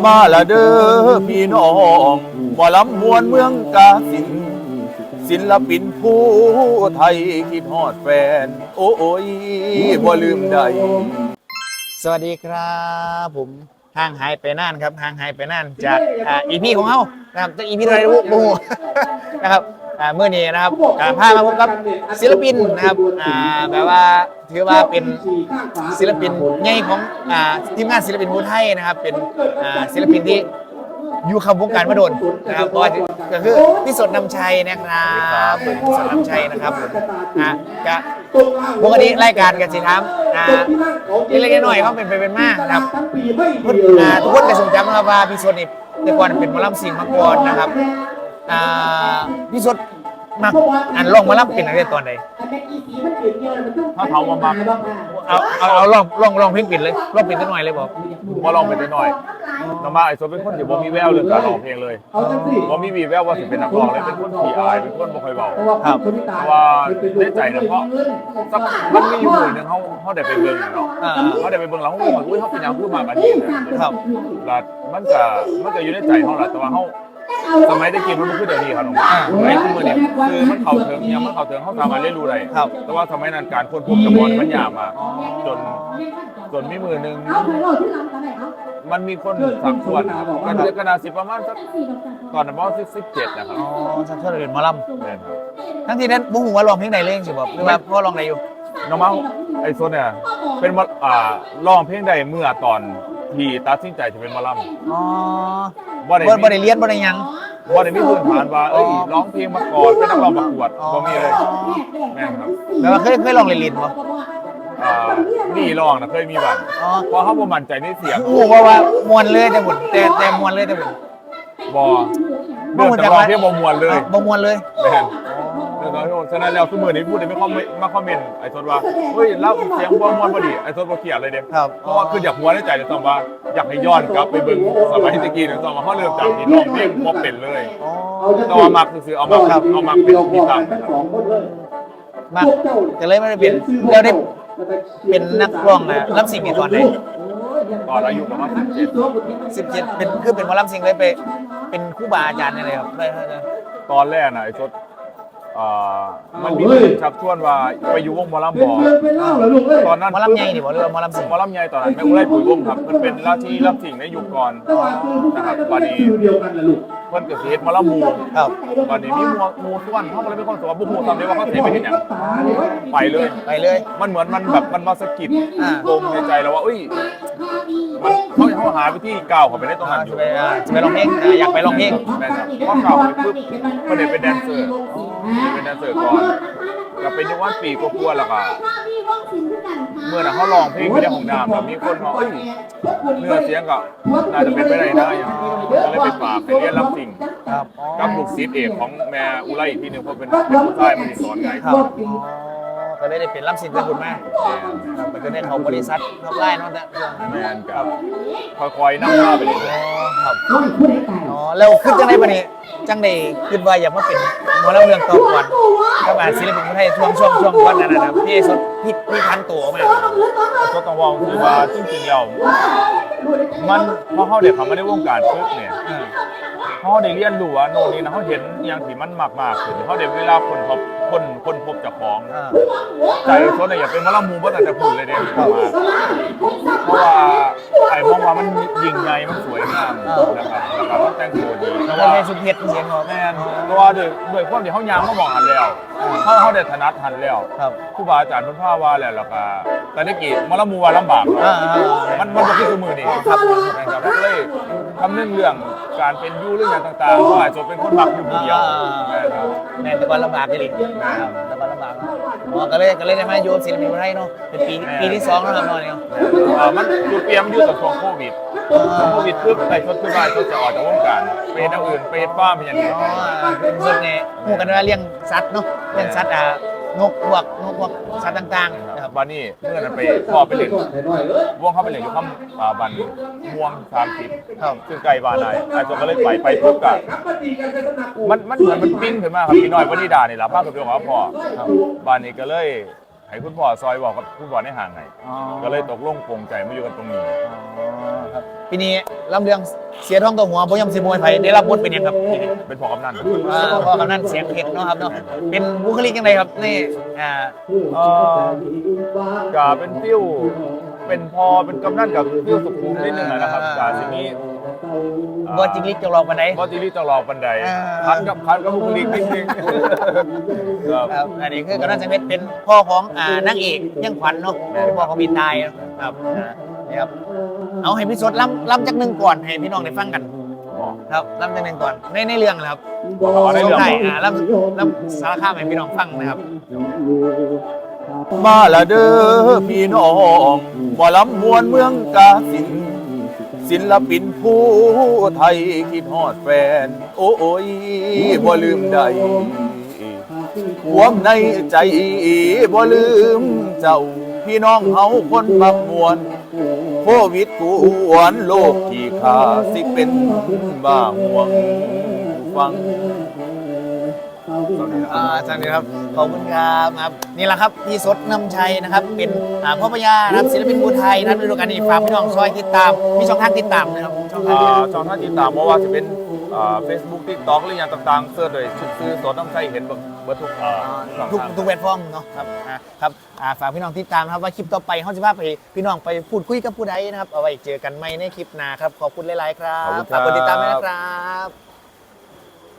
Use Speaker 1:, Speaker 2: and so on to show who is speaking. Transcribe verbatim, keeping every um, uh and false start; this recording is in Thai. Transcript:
Speaker 1: มาละเด้อพี่น้องหมอลำมวลเมืองกาฬสินธุ์ศิลปินผู้ไทยคิดฮอดแฟนโอ้ยบ่ลืมใด
Speaker 2: สวัสดีครับผมห่างหายไปนานครับห่างหายไปนานจากอ่าอีพีของเฮานะครับจากอีพีอะไรรู้บ่ฮู้นะครับอ่าเมื่อนี้นะครับอ่าพามาพบกับศิลปินนะครับอ่าแบบว่าถือว่าเป็นศิลปินใหญ่ของอ่าทีมงานศิลปินผู้ไทยนะครับเป็นอ่าศิลปินที่อยู่คำวงการมาโดนนะครับก็คือพี่สดนำชัยนะครับพี่สดนำชัยนะครับอ่ะก็ปกติรายการกันสิครับอ่าเล็กๆน้อยๆเขาเป็นไปเป็นมากนะครับอ่าทุกคนจะทรงจำนะครับว่าพี่สดนี่แต่ก่อนเป็นหมอลำซิ่งมาก่อนนะครับอ่าพี่สดมักอันร้องหมอลำเป็นอะไรตอนใด
Speaker 1: ถ้าเขามามา
Speaker 2: เอาเอาเอาลองลองลองเพลงปิดเลยลองปิดนิดหน่อยเลยบอก
Speaker 1: ว่าลองไปได้หน่อยน้องมาไอ้โซเป็นคนที่บ่มีแววเรื่องการร้องเพลงเลยบ่มีมีแววว่าสิเป็นนักร้องเลยเป็นคนขี้อายเป็นคนบ่ค่อยเบา
Speaker 2: ครับ
Speaker 1: เพราะว่าได้ใจนะเพราะสักมันมีอยู่หน่วยนึงเขาเขาได้ไปเบิ่งเนาะเขาได้ไปเบิ่งแล้วเขาบอกอุ้ยเขาเป็นอย่างพูดมาแบบนี้นะครับแล้วมันก็มันก็อยู่ในใจเขาแหละแต่ว่าเขาสมัยได้กินมันคือเดี๋ยวนี้ครับน้องสมัยคือมันเนี่ยคือมันเข่าถึงยังมันเข่าถึงเขาสามารถเรียนรู้ได้แต่ว่าสมัยนั้นการคนพบจำนวนมันยากมากจนจนมีมือหนึ่งมันมีคนสักส่วนนะครับกันเดือนกันนาสิประมาณสักตอนนั้นประมาณสิบเจ็ดนะครับ
Speaker 2: อ๋อสักส่วนเรียนหมอลำทั้งที่นั้นบุ้งหัวร้องเพลงไหนเล่นสิบอกหรือว่าพ่อร้องไหนอยู่
Speaker 1: น้องเมาไอ้โซนเนี่ยเป็นอ่าร้องเพลงใดเมื่อตอนที่ตัดสินใจจะเป็นหมอลำ
Speaker 2: อ๋อ
Speaker 1: บ่ได้
Speaker 2: บ่ได้เรียนบ่ได้ยัง
Speaker 1: บ่ได้มีพื้นฐานว่าเอ้ยร้องเพลงมาก่อนเป็นนักร้องประกวดบ่มีเลยแม่ครับ
Speaker 2: แปลว่าเคยเคยร้องเล่นๆบ่
Speaker 1: อ่านี่ร้องนะเคยมีบ้างเพราะเขาบ่มั่นใจในเสียง
Speaker 2: โอ้เพราะว่ามวนเลยแต่หมดแต่แต่มวนเลยแต่หมด
Speaker 1: บ่เรื่องแต่ร้องเพลงบ่มวนเลย
Speaker 2: บ่มวนเลย
Speaker 1: แม่นเรื่องร้องฉะนั้นแล้วทุกมื้อนี้พูดได้ไม่คอมมาคอมเมนต์ไอ้ทศว่าเฮ้ยเล่าเสียงบ่มวนบ่ดีไอ้ทศบ่เกลียดเลยเด้เพราะว่าคืออยากหัวในใจเลยต้องว่าอยากให้ย้อนกลับไปเบิ่งสมัยตะกี้เนี่ยต้องว่าเฮาเริ่มจากที่ร้องเพลงบ่เป็นเลยแต่ว่ามักซื่อๆเอามักเอามักเป็นที่ตั้ง
Speaker 2: มักก็เลยไม่ได้เป็นแล้วได้เป็นนักร้องนะลำซิ่งนี่ตอนไหน
Speaker 1: ตอนอายุประมาณสิบเจ็ด
Speaker 2: สิบเจ็ดเป็นคือเป็นหมอลำซิ่งเลยไปเป็นครูบาอาจารย์อะไรครับได้
Speaker 1: ตอนแรกนะไอ้ทศมันมีคนชักชวนว่าไปอยู่วงหมอลำบ่ตอนนั้น
Speaker 2: หมอลำใหญ่ดิบ่หรือหมอลำซิ่ง
Speaker 1: หมอลำใหญ่ตอนนั้นแม่อุ้ยปุ๋ยวงครับมันเป็นราชีลำซิ่งในยุคก่อนนะครับวันนี้เพิ่นก็สิเฮ็ดหมอลำหมู่
Speaker 2: ครับ
Speaker 1: วันนี้มีหมู่หมู่ส่วนเฮาก็เลยเป็นคนสอนบ่ฮู้ซ้ำได้ว่าเขาสิไปเฮ็ดหยังไปเลย
Speaker 2: ไปเลย
Speaker 1: มันเหมือนมันแบบมันมาสะกิดปมในใจแล้วว่าเอ้ยมันเขาเขาหาวิธีก้าวเข้าไปในตรงนั้นอยู่
Speaker 2: จะไปร้องเพลงอยากไปร้องเพลง
Speaker 1: แม่นครับพอก้าวไปปุ๊บเพิ่นได้เป็นแดนเซอร์เป็นแดนเซอร์ก่อนก็เป็นอยู่วันปีกว่าๆแล้วก็เมื่อน่ะเขาร้องเพลงอยู่ในห้องน้ำแล้วมีคนมาเอ้ยเนื้อเสียงก็น่าจะเป็นไปได้นะก็เลยไปฝากไปเรียนรับสิ่งกับลูกศิษย์เอกของแม่อุไรอีกทีนึงเพราะเป็นผู้ชายมันสอนไงครับ
Speaker 2: ก็เลยได้เป็นรับสิ่งเป็นคุณแม่มันก็ได้เขาบริษัททำไร่นั่นแหละ
Speaker 1: แม่นครับค่อยๆนั่งหน้าไปเลย
Speaker 2: ครับอ๋อแล้วขึ้นจังไดบัดนี้จังไดขึ้นว่าอยากมาเป็นหมอลำเรื่องต่อก่อนก็มาศิลปินคนไทยช่วงช่วงช่วงก่อนนั้นนะพี่สุดพี่พี่พันตัวมาก
Speaker 1: ก็ต้องว่าคือว่าจริงๆแล้วมันพอเขาเด็กเขาไม่ได้วงการปึ๊บเนี่ยเขาได้เรียนรู้ว่าโน่นนี่นะเขาเห็นอย่างที่มันมากๆขึ้นเขาได้เวลาคนพบคนคนพบจากของใจโซนเนี่ยอย่าเป็นมะละมูเพราะแต่จะพูดเลยเด็กมาเพราะว่าไอ้มองว่ามันยิ่งใหญ่มันสวยงามนะครับนะครับมันแต่งตัวดี
Speaker 2: แต่ว่าในสุดเผ็ดเสียงของ
Speaker 1: แม่เพราะว่าด้วยด้วยความที่เขายางเขามองหันแล้วเขาเขาได้ถนัดหันแล้วครูบาอาจารย์เพิ่นพาว่าแล้วแล้วก็แต่นี่กี่มะละมูว่าลำบากมันมันบ่คือมือนี่ครับนะครับเลยคำนึงเรื่องการเป็นยูเรื่องต่างๆว่าจะเป็นคนมักอยู่คนเดียว
Speaker 2: แม่แต่ก่อนลำบากจริงแต่ก่อนลำบากอ๋อก็เลยก็เลยได้มาอยู่ศิลปินไทยเนาะเป็นปีปีที่สองแล้วครับน้อยเนี่ย
Speaker 1: มันจุดเปลี่ยนอยู่กับช่วงโควิดช่วงโควิดคือไปชดคือบ้านชดจะออกจากวงการไปเฮ็ดอื่นไปเฮ็ดฟาร์มอย่างนี้
Speaker 2: อ๋อเป็นส่วนไงหมู่กันว่าเลี้ยงสัตว์เนาะเลี้ยงสัตว์อ่านกพวกนกพวกสัตว์ต่างๆ
Speaker 1: นะครับบ้านนี้เมื่อนั้นไปพ่อไปเล่นวงเขาไปเล่นอยู่คำบันม่วงสามสิบซึ่งไกลบ้านนายไอ้ตัวก็เลยไปไปปุ๊บก็มันมันเหมือนมันปิ้งขึ้นมาครับพี่น้อยวันนี้ด่านี่ล่ะป้ากับพี่ของพ่อบ้านนี้ก็เลยให้คุณพ่อซอยบอกกับคุณพ่อในห่างไง
Speaker 2: อ๋อ
Speaker 1: ก็เลยตกลงปรงใจมาอยู่กันตรงนี้
Speaker 2: อ๋อครับปีนี้ลำเรื่องเสียท้องตัวหัวพยายามสิมวยไผได้รับบทเป็นยังครับปีนี้
Speaker 1: เป็นพ่อกำนัน
Speaker 2: อ่าพ่อกำนันเสียงเผ็ดเนาะครับเนาะเป็นบุคลิกยังไงครับนี่อ่า
Speaker 1: เอ่อก็เป็นฟิวเป็นพอเป็นกำนันกับฟิวสุขุมนิดนึงนะครับกาสินี้
Speaker 2: บอจิกลิกจะรอกันได้
Speaker 1: บอจิลิจะรอบันได
Speaker 2: อ่า
Speaker 1: คันกับคันกับบุคลิกนิดนึงครับ
Speaker 2: ครับอันนี้คือกำนันเสียงเผ็ดเป็นพ่อของอ่านางเอกยังขวัญเนาะเป็นพ่อของบินตายครับอ่านี่ครับเอาให้พี่สดล้ำล้ำจากหนึ่งก่อนให้พี่น้องได้ฟังกันครับล้ำจากหนึ่งก่อนในในเรื่องนะครับ
Speaker 1: อ๋อในเรื่อง
Speaker 2: ช่วงท้ายอ่าล้ำล้ำสารคามให้พี่น้องฟังนะครับ
Speaker 1: มาละเด้อพี่น้องบ่ลำมวนเมืองกาสินศิลปินผู้ไทยคิดฮอดแฟน โอ้ยบ่ลืมได้ความในใจบ่ลืมเจ้าพี่น้องเฮาคนมักมวนโควิดกวนโลกที่ขาสิเป็นบ้าห่วงฟัง
Speaker 2: อ่าสวัสดีครับขอบคุณครับครับนี่แหละครับพี่สดนำชัยนะครับเป็นอ่าพ่อพญานะครับศิลปินผู้ไทยนะครับฤดูกาลนี้ฝากพี่น้องซอยติดตามมีช่องทางติดตามนะครับช่องทาง
Speaker 1: อ่าช่องทางติดตามเพราะว่าจะเป็นเฟซบุ๊กทิกต็อกหรืออย่างต่างๆเสิร์ชโดยชื่อสดน้ำใจเห็นเบิดทุกอ่าช่อง
Speaker 2: ทุก
Speaker 1: ทาง
Speaker 2: ทุกแพลตฟอร์มเนาะครับอ่าครับอ่าฝากพี่น้องติดตามนะครับว่าคลิปต่อไปเขาจะพาไปพี่น้องไปพูดคุยกับผู้ใดนะครับเอาไว้เจอกันใหม่ในคลิปหน้าครับขอบคุณหลายๆครับฝากกดติดตามด้วยนะครับ